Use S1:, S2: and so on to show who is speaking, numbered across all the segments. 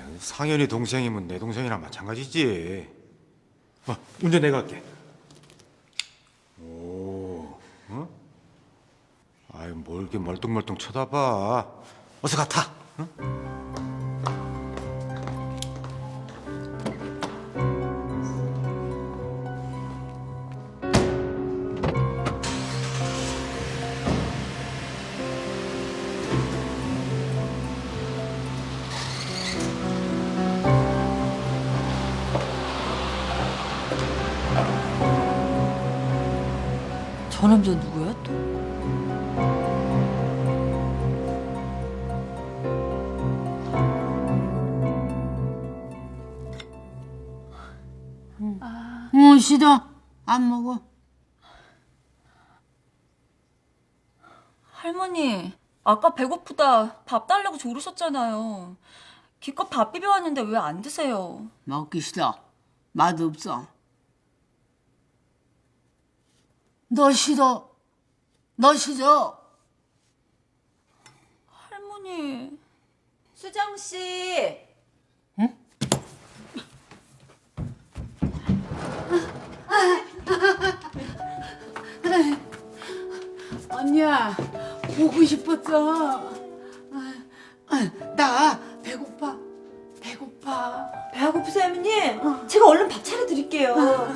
S1: 상현이 동생이면 내 동생이랑 마찬가지지. 운전 내가 할게. 오, 어? 아유, 뭘 이렇게 멀뚱멀뚱 쳐다봐. 어서 가 타. 응?
S2: 저 남자 누구야 또?
S3: 싫어. 안 먹어.
S4: 할머니, 아까 배고프다 밥 달라고 조르셨잖아요. 기껏 밥 비벼왔는데 왜 안 드세요?
S3: 먹기 싫어. 맛없어. 너 싫어. 너 싫어.
S4: 할머니.
S2: 수정 씨.
S3: 언니야, 보고 싶었어. 나 배고파. 배고파.
S2: 배가 고프세요, 할머니? 제가 얼른 밥 차려드릴게요.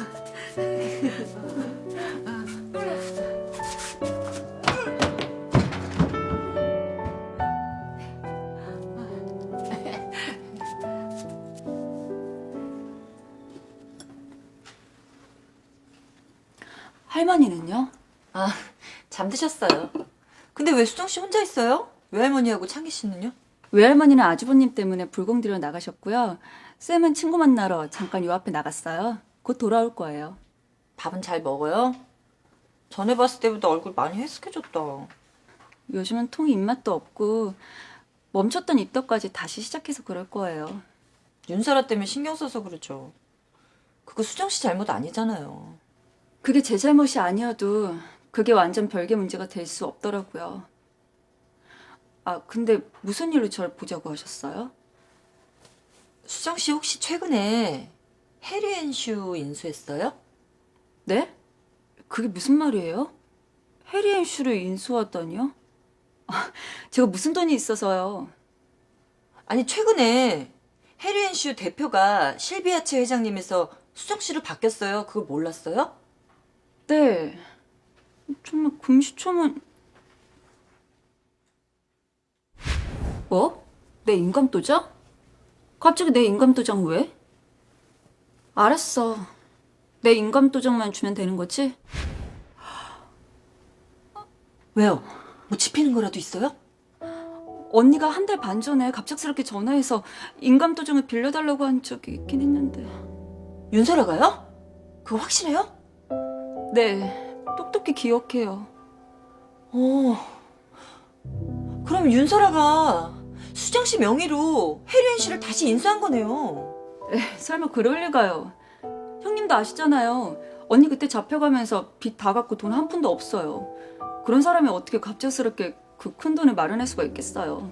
S4: 할머니는요?
S2: 아, 잠드셨어요. 근데 왜 수정 씨 혼자 있어요? 외할머니하고 창기 씨는요?
S4: 외할머니는 아주버님 때문에 불공들여 나가셨고요. 쌤은 친구 만나러 잠깐 요 앞에 나갔어요. 곧 돌아올 거예요.
S2: 밥은 잘 먹어요? 전에 봤을 때보다 얼굴 많이 헬쓱해졌다.
S4: 요즘은 통 입맛도 없고 멈췄던 입덧까지 다시 시작해서 그럴 거예요.
S2: 윤설아 때문에 신경 써서 그러죠. 그거 수정 씨 잘못 아니잖아요.
S4: 그게 제 잘못이 아니어도 그게 완전 별개 문제가 될 수 없더라고요. 아, 근데 무슨 일로 절 보자고 하셨어요?
S2: 수정 씨 혹시 최근에 해리앤슈 인수했어요?
S4: 네? 그게 무슨 말이에요? 해리앤슈를 인수하다니요? 아, 제가 무슨 돈이 있어서요.
S2: 아니 최근에 해리앤슈 대표가 실비아체 회장님에서 수정 씨로 바뀌었어요. 그거 몰랐어요?
S4: 네. 정말 금시초문. 뭐? 내 인감도장? 갑자기 내 인감도장 왜? 알았어. 내 인감도장만 주면 되는 거지?
S2: 왜요? 뭐 집히는 거라도 있어요?
S4: 언니가 한 달 반 전에 갑작스럽게 전화해서 인감도장을 빌려달라고 한 적이 있긴 했는데.
S2: 윤설아가요? 그거 확실해요?
S4: 네, 똑똑히 기억해요.
S2: 그럼 윤설아가 수정 씨 명의로 해리앤슈를 다시 인수한 거네요.
S4: 설마 그럴 리가요. 형님도 아시잖아요. 언니 그때 잡혀가면서 빚 다 갚고 돈 한 푼도 없어요. 그런 사람이 어떻게 갑작스럽게 그 큰 돈을 마련할 수가 있겠어요.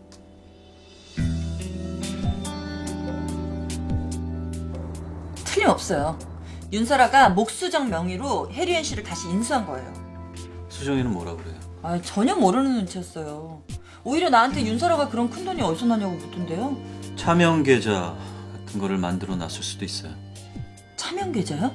S2: 틀림없어요. 윤설아가 목수정 명의로 해리앤슈를 다시 인수한 거예요.
S5: 수정이는 뭐라 그래요?
S2: 아, 전혀 모르는 눈치였어요. 오히려 나한테 윤설아가 그런 큰 돈이 어디서 나냐고 묻던데요.
S5: 차명 계좌 같은 거를 만들어 놨을 수도 있어요.
S2: 차명 계좌요?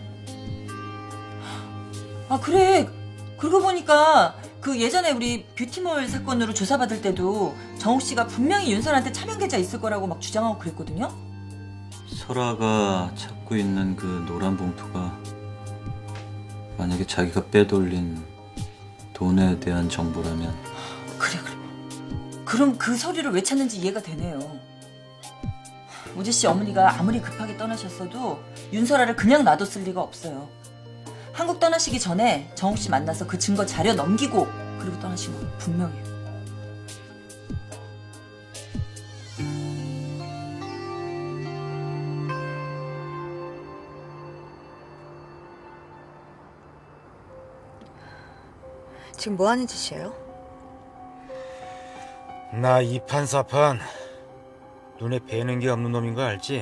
S2: 아, 그래. 그러고 보니까 그 예전에 우리 뷰티몰 사건으로 조사받을 때도 정욱 씨가 분명히 윤설한테 차명 계좌 있을 거라고 막 주장하고 그랬거든요.
S5: 설아가 찾고 있는 그 노란 봉투가 만약에 자기가 빼돌린 돈에 대한 정보라면
S2: 그래. 그럼 그 서류를 왜 찾는지 이해가 되네요. 우지 씨 어머니가 아무리 급하게 떠나셨어도 윤설아를 그냥 놔뒀을 리가 없어요. 한국 떠나시기 전에 정욱 씨 만나서 그 증거 자료 넘기고 그리고 떠나신 거 분명해요.
S6: 지금 뭐 하는 짓이에요?
S1: 나 이판사판 눈에 뵈는 게 없는 놈인 거 알지?